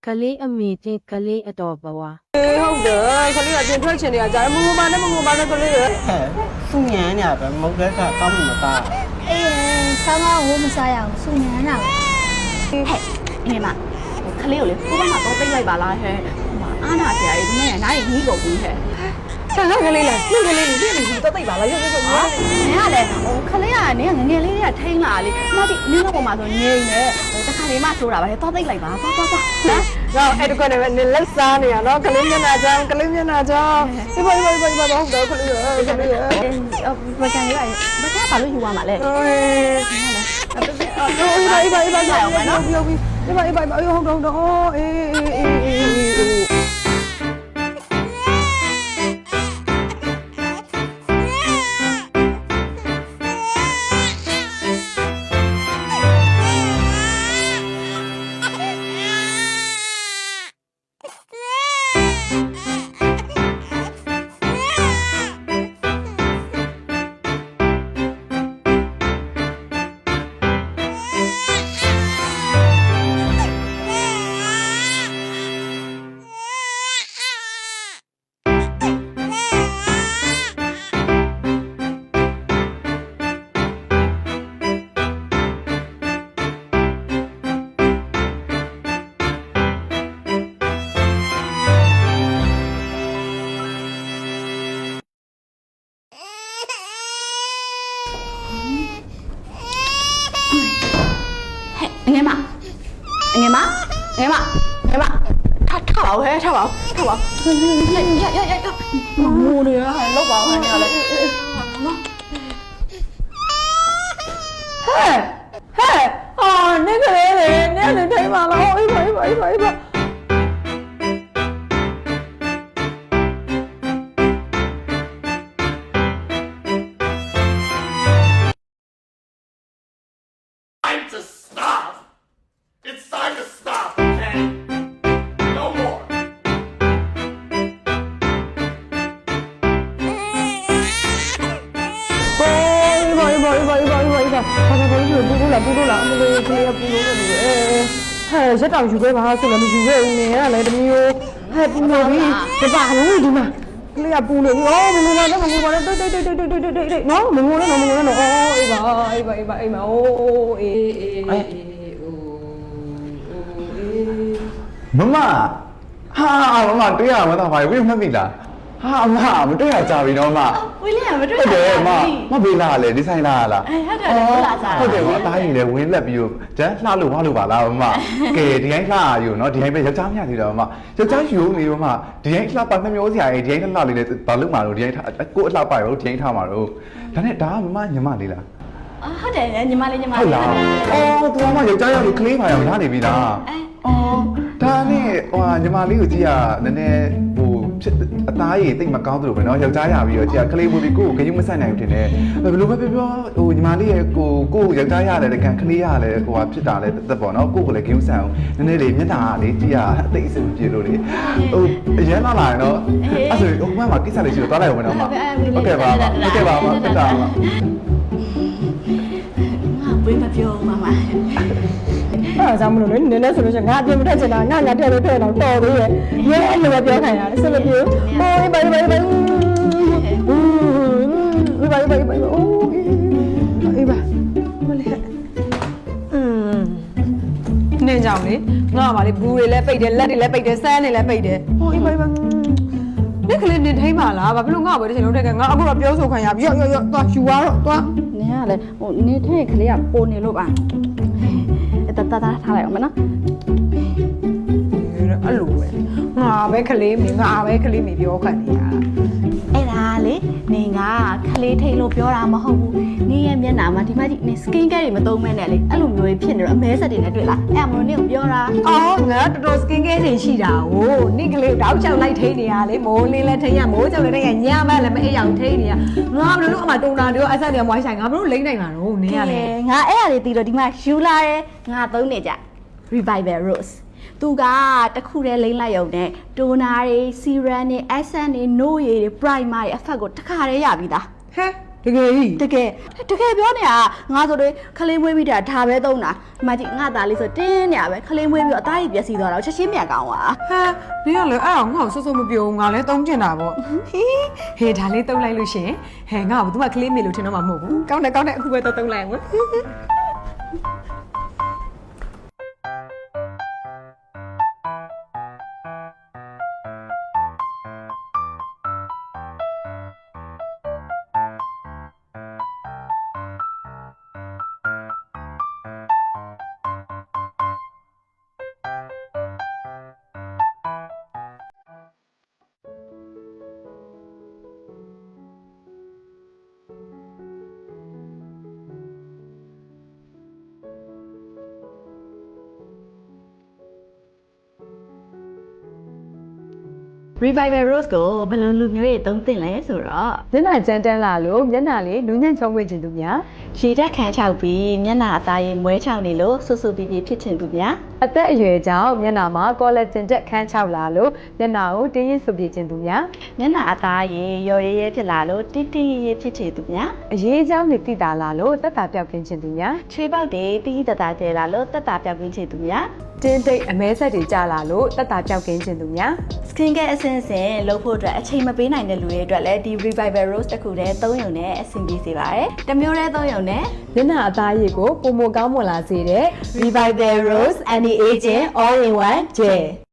ကလေးအမေချင်းကလေးအတော်ဘဝဟုတ်တယ်ခလေးကပြင်ထွက်ချင်နေတာကြားမငုံပါနဲ့မငုံပါနဲ့ကလေးရသူ့ညံနေပဲမုတ်တဲ့ကကောင်းမှမသားအေးဆောင်းဝိုးမစားရအောင်စုညံတာပဲဟဲ့အင်းမခလေးကိုလေကိုဘက်မှာတော့ပိတ်လိုက်ပါလားဟဲ့အာနာဆရာကြီးဒီနေ့နားရီကြီးကုန်ပြီဟဲ့ဆန်ကလေးလားနှင်းကလေးကြီးပြည့်နေပြီတော့တိတ်ပါလားရုပ်ရုပ်ရုပ်နင်ကလည်းခလေးကနင်ကငငယ်လေးတွေကထိန်းလာလေမကြည့်နင်းတော့ပေါ်မှာဆိုငြိမ်နေတခါလေးမှဆိုတာပါလေတော့တိတ်လိုက်ပါသွားသွားသွားဟမ်တော့အဲ့တကွနဲ့ပဲနေလက်စားနေရနော်ကလေးမျက်နှာကြောင်းကလေးမျက်နှာကြောင်းဒီပါတော့ကလေးရကလေးရဘကန်လေးပါဘကန်ဘာလို့ယူရမှာလဲအေးပါအောင်မယ်နော်ပြောပြီးဒီပါဟုတ်တော့အေးငယ်မထပါဦးဟဲ့ထပါဦးရမူနေရလောက်ပါဦးဟဲ့နေရလေနော်ဟဲ့အာနေကလေးလေနေနေထိုင်ပါလားအေးပါ Time to stop! It's time to stop, okay? No more! ပူလို့လားအမလေးကလေးကပူလို့နေတယ်ဟဲ့ရက်တောင်ယူခဲ့ပါဆိုလည်းမယူခဲ့ဘူးနေရလေတမျိုးဟဲ့ပူလို့ပြီဒီပါလုံးဒီမှာကလေးကပူလို့ဩမငုံပါနဲ့မငုံပါနဲ့တိတ်နော်မငုံနဲ့နော်ဩအေးပါအိမ်မှာအိုးအေးမမဟာမမတွေ့ရမှာတော့ဘာဝိမမိလားဟာအမမတွေ့ရကြပြီတော့မဝေးလေးကမတွေ့ဟုတ်တယ်ဘူးမဘေးလာလေဒီဆိုင်လာလားဟုတ်တယ်လာစားဟုတ်တယ်မသားရင်လည်းဝင်းလက်ပြီးတော့ကျန်းလှလို့ဝါလို့ပါလားမကဲဒီတိုင်းလှရယူနော်ဒီတိုင်းပဲယောက်ျားမြတ်သေးတယ်မယောက်ျားယူနေတော့မဒီတိုင်းလှပါနှမျိုးစရာကြီးဒီတိုင်းလှလေးလည်းဘာလို့မှာတော့ဒီတိုင်းကိုအလှပါရောဒီတိုင်းထားမှာတော့ဒါနဲ့ဒါကမမညမလေးလားဟုတ်တယ်ညီမလေးဟုတ်လားအော်သူကမှယောက်ျားရောက်လို့ကလေးပါရောရနေပြီလားအော်ဒါနဲ့ဟိုညီမလေးကိုကြည့်ရနည်းနည်းဟိုအသားရည်တိတ်မကောင်းသလိုပဲเนาะယောက်ျားရပြီးတော့ကြည့်ရကလေးဝင်ပြီးကိုယ်ကိုဂရုမစိုက်နိုင်ဘူးထင်တယ်ဘယ်လိုပဲပြောဟိုညီမလေးရဲ့ကိုယောက်ျားရတယ်တကံကလေးရတယ်ဟိုဟာဖြစ်တာလဲတက်ပေါ့เนาะကိုယ်ကိုလည်းဂရုစိုက်အောင်နည်းနည်းလေးမျက်နှာကလေကြည့်ရအသိအစင်ပြေလို့လေဟိုအရန်လာရင်တော့အဲ့ဆိုဟိုမှာကိစ္စလေးရှိတော့သွားလိုက်အောင်မနော်မဟုတ်ကဲ့ပါတက်တာပါဝေးမပြောမမအဲ့ဒါကြောင့်မလို့လေနည်းနည်းဆိုလို့ရှိရင်ငါအပြင်မထွက်ချင်တာငါထဲလို့ထဲတော့တော်သေးရဲ့ရဲလိုပဲပြောခိုင်းတာဆက်မပြေဟိုးဘိုင်အိုးအေးပါမလေးနေကြောင်လေငါကပါလေဘူးတွေလည်းပိတ်တယ်လက်တွေလည်းပိတ်တယ်စမ်းတွေလည်းပိတ်တယ်ဟိုအေးပါဒီကလေးနေထိုင်ပါလားဘာဖြစ်လို့ငါ့ဘယ်တစ်ချိန်လုံးတက်ကငါအခုတော့ပြောဆိုခံရပြီရော့သွားယူသွားတော့သွားနင်ကလည်းဟိုနေထဲကလေးကပိုနေလို့ပါတထားလိုက်အောင်မနော်အဲ့လိုပဲငါပဲကလေးမေပြောခံနေရတာအဲ့ဒါလေနင်ကခလေးထိန်လို့ပြောတာမဟုတ်ဘူးနင်ရဲ့မျက်နှာမှာဒီမကြီးနင် skin care တွေမသုံးမဲ့နဲ့လေအဲ့လိုမျိုးတွေဖြစ်နေတော့အမဲဆက်တွေနဲ့တွေ့လားအဲ့မလို့နင်ကိုပြောတာအော်ငါတော်တော် skin care တွေရှိတာဟိုနင့်ကလေးတောက်ချောက်လိုက်ထိနေရလေမိုးလင်းလည်းထိရမိုးချောက်လည်းထိရညမလည်းမအိပ်အောင်ထိနေရငါဘယ်လိုလုပ်အမှတုံတာတွေအဆက်တွေမွိုင်းဆိုင်ငါဘယ်လိုလိမ့်နိုင်မှာတော့နင်ကလေငါအဲ့အရာတွေတီးတော့ဒီမှာယူလာတယ်ငါသုံးနေကြ revival rose သူကတခုတည်းလိမ့်လိုက်ရုံနဲ့တိုနာတွေ serum တွေ essence တွေ no ရည်တွေ primer တွေအဖက်ကိုတစ်ခါတည်းရပြီးသားဟဲ့တကယ်ကြီးတကယ်ပြောနေတာငါဆိုတော့ခလေးမွေးပြီးတာဒါပဲသုံးတာဒီမှာကြည့်ငါသားလေးဆိုတင်းနေရပဲခလေးမွေးပြီးတော့အသားကြီးပျက်စီးသွားတော့ချက်ချင်းမြန်ကောင်းသွားဟာနင်ကလည်းအဲ့အောင်ငါ့ကိုစိုးစိုးမပြောဘူးငါလည်းတုံးကျင်တာပေါ့ဟေးဒါလေးတုံးလိုက်လို့ရှင်ဟဲ့ငါ့ကို तू ကကလေးမေလို့ထင်တော့မှမဟုတ်ဘူးကောင်းတယ်အခုပဲတုံးလိုက်အောင် Revival Rose ကိုဘယ်လိုလူမျိုးတွေသုံးသင့်လဲဆိုတော့မျက်နှာကျန်းတန်းလာလို့မျက်နှာလေးလူညံ့ချုံးဝေခြင်းသူများရေတက်ခမ်းချောက်ပြီးမျက်နှာအသားရည်မွဲချောက်နေလို့ဆူဆူပီပီဖြစ်ချင်သူများအသက်အရွယ်ကြောင့်မျက်နှာမှာကောလာဂျင်တက်ခန်းချောက်လာလို့မျက်နှာကိုတင်းရင်းဆူပြေခြင်းသူများမျက်နှာအသားရည်ရော်ရဲရဲဖြစ်လာလို့တင်းတင်းရဲရဲဖြစ်ချင်သူများအရေးကြောင်းတွေတိတာလာလို့သက်တာပြောက်ကင်းခြင်းသူများချွေးပေါက်တွေတီးတတာကျဲလာလို့တက်တာပြောက်ကင်းချင်သူများတင်းတိတ်အမဲဆက်တွေကြာလာလို့သက်တာပြောက်ကင်းခြင်းသူများ Skin care အဆင့်ဆင့်လုပ်ဖို့အတွက်အချိန်မပေးနိုင်တဲ့လူတွေအတွက်လည်းဒီ Revival Rose တစ်ခုတည်းသုံးရုံနဲ့အဆင်ပြေစေပါတယ်။တစ်မျိုးတည်းသုံးရုံနဲ့မျက်နှာအသားရည်ကိုပုံမကောင်းမွန်လာစေတဲ့ Revival Rose Anti-Aging All-in-One Gel